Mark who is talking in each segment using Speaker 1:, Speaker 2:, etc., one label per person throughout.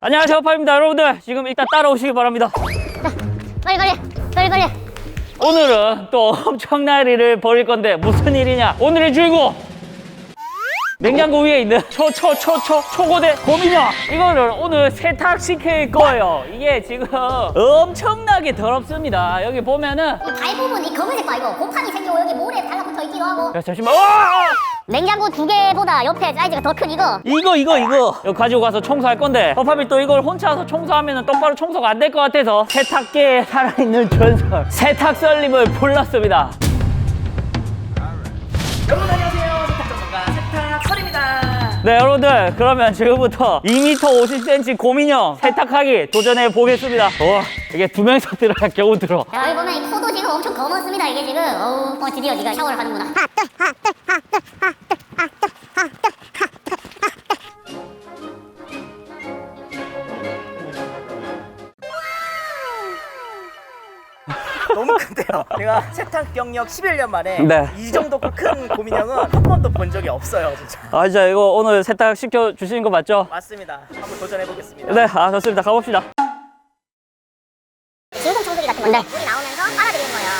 Speaker 1: 안녕하세요, 허파입니다. 여러분들 지금 일단 따라오시기 바랍니다.
Speaker 2: 빨리.
Speaker 1: 오늘은 또 엄청난 일을 벌일 건데 무슨 일이냐? 오늘의 주인공! 냉장고 위에 있는 초고대 곰인형! 이거를 오늘 세탁시킬 거예요. 이게 지금 엄청나게 더럽습니다. 여기 보면은
Speaker 2: 이 발 부분 이 검은색 봐 이거 곰팡이 생기고 여기 모래 달라붙어 있기도 하고.
Speaker 1: 야, 잠시만. 와!
Speaker 2: 냉장고 두 개보다 옆에 사이즈가 더 큰 이거.
Speaker 1: 이거 이거 가지고 가서 청소할 건데 허팝이 또 이걸 혼자서 청소하면 똑바로 청소가 안 될 것 같아서 세탁기에 살아있는 전설 세탁설님을 불렀습니다.
Speaker 3: 여러분 안녕하세요. 세탁 전문가 세탁설입니다.
Speaker 1: 네, 여러분들 그러면 지금부터 2m 50cm 곰인형 세탁하기 도전해 보겠습니다. 와, 이게 두 명이서 들어야 겨우 들어.
Speaker 2: 야 여기 보면 이 코도 지금 엄청 검었습니다 이게 지금. 드디어 네가 샤워를 하는구나.
Speaker 3: 너무 큰데요. 제가 세탁 경력 11년 만에
Speaker 1: 네.
Speaker 3: 이 정도 큰 곰인형은 한 번도 본 적이 없어요, 진짜.
Speaker 1: 아, 진짜 이거 오늘 세탁 시켜 주시는 거 맞죠?
Speaker 3: 맞습니다. 한번 도전해 보겠습니다.
Speaker 1: 네, 아, 좋습니다. 가봅시다.
Speaker 2: 진공 청소기 같은 건데 물이 나오면서 빨아들이는 거예요.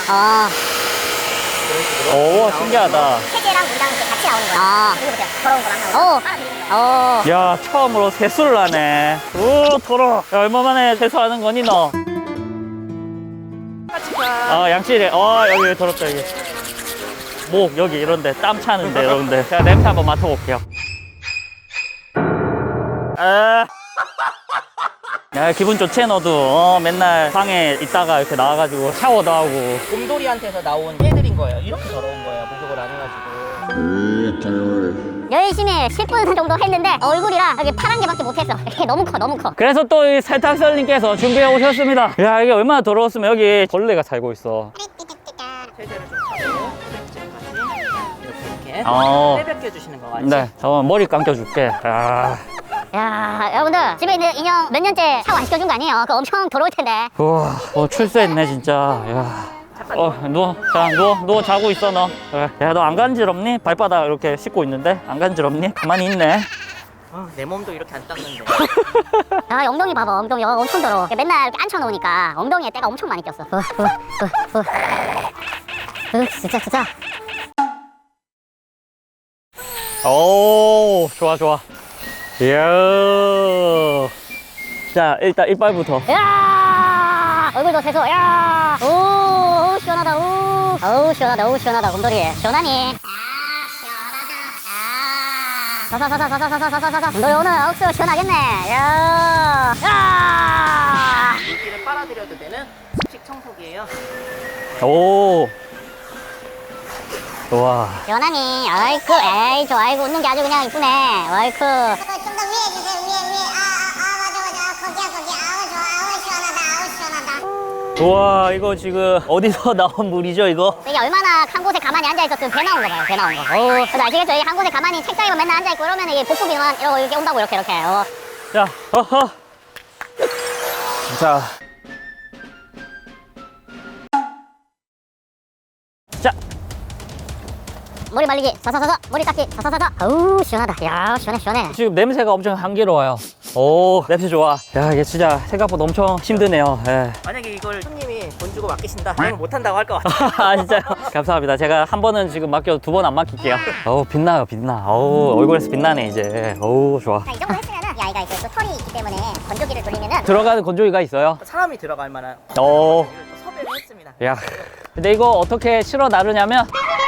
Speaker 1: 오, 신기하다.
Speaker 2: 세제랑 물이랑 이렇게 같이 나오는 거예요. 이거 보세요. 더러운 거 막 나오고 빨아들이는 거예요.
Speaker 1: 야, 처음으로 세수를 하네. 오, 더러워. 야, 얼마 만에 세수하는 거니 너? 아, 양치래. 여기 더럽다 여기. 목 여기 이런데 땀 차는데 여러분들. 제가 냄새 한번 맡아볼게요. 야, 기분 좋지 너도. 맨날 방에 있다가 이렇게 나와가지고 샤워도 하고.
Speaker 3: 곰돌이한테서 나온 깨들인 거예요. 이렇게 더러운 거예요. 목욕을 안 해가지고.
Speaker 2: 열심히 10분 정도 했는데 얼굴이랑 여기 파란 개밖에 못했어. 이게 너무 커.
Speaker 1: 그래서 또 이 세탁설님께서 준비해 오셨습니다. 야, 이게 얼마나 더러웠으면 여기 벌레가 살고 있어.
Speaker 3: 세제를 좀 하고 이렇게 빼벽해 주시는 거 같지?
Speaker 1: 네, 잠깐만 머리 감겨줄게.
Speaker 2: 야 여러분들 집에 있는 인형 몇 년째 샤워 안 시켜준 거 아니에요? 그거 엄청 더러울 텐데.
Speaker 1: 우와, 출세했네 진짜. 야. 누워. 자, 누워 자고 있어 너. 그래. 야, 너 안 간지럽니? 발바닥 이렇게 씻고 있는데 안 간지럽니? 가만히 있네.
Speaker 3: 내 몸도 이렇게 안 닦는데.
Speaker 2: 야 엉덩이 봐봐. 엉덩이 엄청 더러워. 맨날 이렇게 앉혀놓으니까 엉덩이에 때가 엄청 많이 꼈어. 진짜.
Speaker 1: 오, 좋아. 이야. 자, 일단 이빨부터.
Speaker 2: 야 얼굴도 세수. 야 오 시원하다. 어우 시원하다. 곰돌이 시원하니? 사사사사사사사사사사. 곰돌이 오늘 억수 시원하겠네. 야
Speaker 3: 물기를 빨아들여도 되는 습식 청소기예요.
Speaker 1: 오. 좋아.
Speaker 2: 시원하니? 아이쿠 에이 저 아이고 웃는 게 아주 그냥 이쁘네. 아이쿠.
Speaker 4: 좀 더 위에 주세요. 위에. 맞아. 거기. 아우, 좋아. 아우, 시원하다.
Speaker 1: 우와, 이거 지금 어디서 나온 물이죠 이거?
Speaker 2: 이게 얼마나 한 곳에 가만히 앉아있었으면 배 나온 거 봐요. 배 나온 거. 그래서 아시겠죠? 이게 한 곳에 가만히 책상에만 맨날 앉아있고 이러면 이게 복부비만 이렇게 온다고 이렇게.
Speaker 1: 자, 자. 자.
Speaker 2: 머리 말리기 사사사사. 머리 깎기 사사사사. 어우 시원하다. 야 시원해.
Speaker 1: 지금 냄새가 엄청 향기로워요. 오, 냄새 좋아. 야, 이게 진짜 생각보다 엄청 힘드네요. 예.
Speaker 3: 만약에 이걸 손님이 돈 주고 맡기신다 그러면 못한다고 할 것 같아요.
Speaker 1: 아, 진짜요? 감사합니다. 제가 한 번은 지금 맡겨도 두 번 안 맡길게요. 어우, 빛나. 어우, 얼굴에서 빛나네 이제. 어우, 좋아.
Speaker 2: 자, 이 정도 했으면은 이 아이가 이제 또 털이 있기 때문에 건조기를 돌리면은
Speaker 1: 들어가는 건조기가 있어요?
Speaker 3: 사람이 들어갈 만한
Speaker 1: 오.
Speaker 3: 이걸 또 섭외를 했습니다.
Speaker 1: 야, 근데 이거 어떻게 실어 나르냐면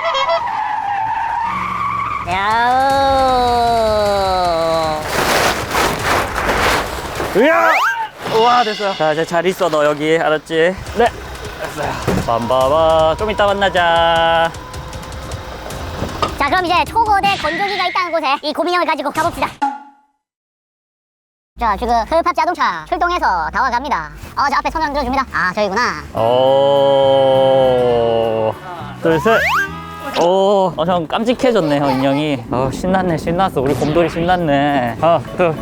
Speaker 1: 으야! 우와, 됐어요. 자, 이제 잘 있어 너 여기. 알았지? 네, 됐어요. 빰바바. 좀 이따 만나자.
Speaker 2: 자 그럼 이제 초고대 건조기가 있다는 곳에 이 고민형을 가지고 가봅시다. 자 지금 흡합 자동차 출동해서 다 와갑니다. 저 앞에 손을 들어줍니다. 아 저기구나.
Speaker 1: 오, 둘, 셋. 오, 형 깜찍해졌네, 형 인형이. 신났어. 우리 곰돌이 신났네. 하나,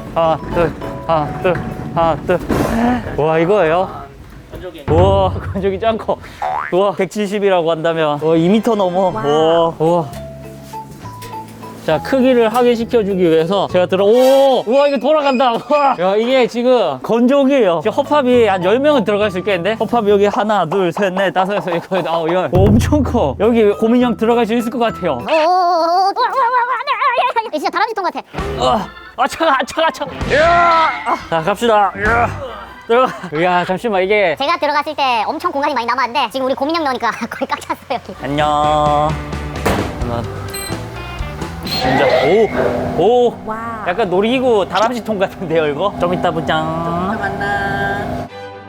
Speaker 1: 둘. 와, 이거예요?
Speaker 3: 건조기.
Speaker 1: 우와, 건조기 짱 커. 우와, 170이라고 한다면. 2m 넘어. 우와. 자, 자, 크기를 확인시켜주기 위해서 제가 우와, 이거 돌아간다. 우와. 야, 이게 지금 건조기예요. 지금 허팝이 한 10명은 들어갈 수 있겠는데? 허팝이 여기 하나, 둘, 셋, 넷, 다섯, 여섯, 일곱, 아홉, 열. 엄청 커. 여기 고민형 들어갈 수 있을 것 같아요.
Speaker 2: 진짜 다람쥐 통 같아.
Speaker 1: 차가. 야! 자, 갑시다. 야! 들어가. 야, 잠시만, 이게.
Speaker 2: 제가 들어갔을 때 엄청 공간이 많이 남았는데 지금 우리 고민형 넣으니까 거의 꽉 찼어요 여기.
Speaker 1: 안녕. 하나. 진짜, 오. 약간 놀이기구 다람쥐 통 같은데요, 이거? 좀 이따 보자.
Speaker 3: 만나.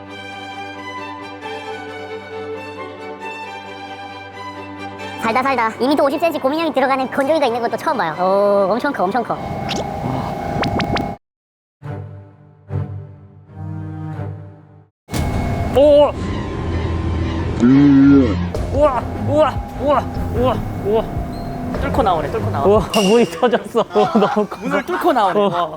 Speaker 2: 살다 2m 50cm 고민형이 들어가는 건조기가 있는 것도 처음 봐요. 오, 엄청 커.
Speaker 1: 오! 우와.
Speaker 3: 뚫고 나오네.
Speaker 1: 우와, 문이 터졌어. 너무 커.
Speaker 3: 문을 뚫고 나오네. 와.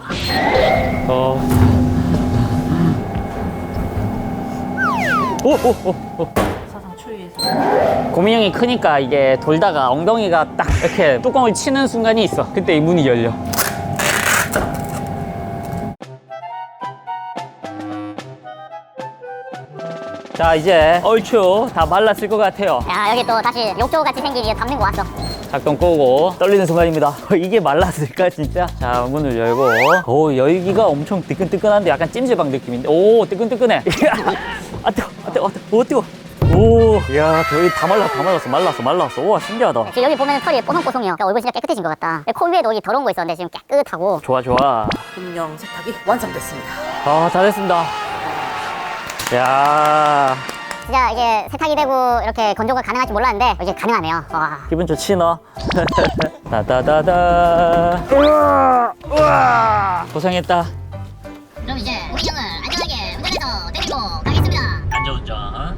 Speaker 3: 사상 초유에서.
Speaker 1: 고민형이 크니까 이게 돌다가 엉덩이가 딱 이렇게 뚜껑을 치는 순간이 있어. 그때 이 문이 열려. 자, 이제 얼추 다 말랐을 것 같아요.
Speaker 2: 야, 여기 또 다시 욕조같이 생긴 게 담는 거 왔어.
Speaker 1: 작동 끄고 떨리는 순간입니다. 이게 말랐을까 진짜? 자, 문을 열고 오, 열기가 엄청 뜨끈뜨끈한데 약간 찜질방 느낌인데 오, 뜨끈뜨끈해. 아, 뜨거. 오, 야, 여기 다 말랐어. 우와, 신기하다.
Speaker 2: 지금 여기 보면 털이 뽀송뽀송해요. 그러니까 얼굴 진짜 깨끗해진 것 같다. 코 위에도 여기 더러운 거 있었는데 지금 깨끗하고.
Speaker 1: 좋아.
Speaker 3: 고민형 세탁이 완성됐습니다.
Speaker 1: 아, 다 됐습니다. 야,
Speaker 2: 진짜 이게 세탁이 되고 이렇게 건조가 가능할지 몰랐는데 이게 가능하네요. 와.
Speaker 1: 기분 좋지 너? 다다다다. 우와. 고생했다.
Speaker 2: 그럼 이제 고민형을 안전하게 운전해서 데리고 가겠습니다.
Speaker 1: 안전운전.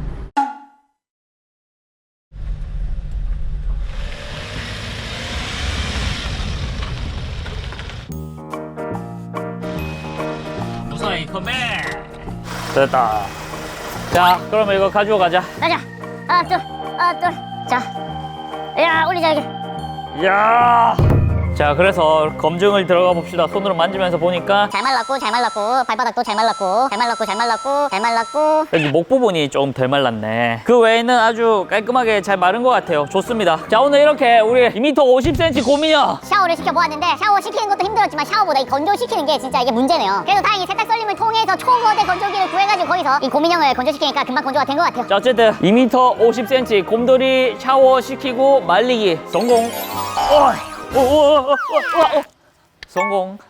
Speaker 1: 무사히 컴백. 됐다. 자, 그러면 이거 가지고 가자.
Speaker 2: 가자. 하나, 둘. 자. 야, 올리자 여기.
Speaker 1: 야. 자, 그래서 검증을 들어가 봅시다. 손으로 만지면서 보니까
Speaker 2: 잘 말랐고 발바닥도 잘 말랐고
Speaker 1: 여기 목 부분이 좀 덜 말랐네. 그 외에는 아주 깔끔하게 잘 마른 것 같아요. 좋습니다. 자, 오늘 이렇게 우리 2m 50cm 고민형
Speaker 2: 샤워를 시켜보았는데 샤워 시키는 것도 힘들었지만 샤워보다 이 건조시키는 게 진짜 이게 문제네요. 그래도 다행히 세탁 썰림을 통해서 초거대 건조기를 구해가지고 거기서 이 고민형을 건조시키니까 금방 건조가 된 것 같아요.
Speaker 1: 자, 어쨌든 2m 50cm 곰돌이 샤워 시키고 말리기 성공. 성공.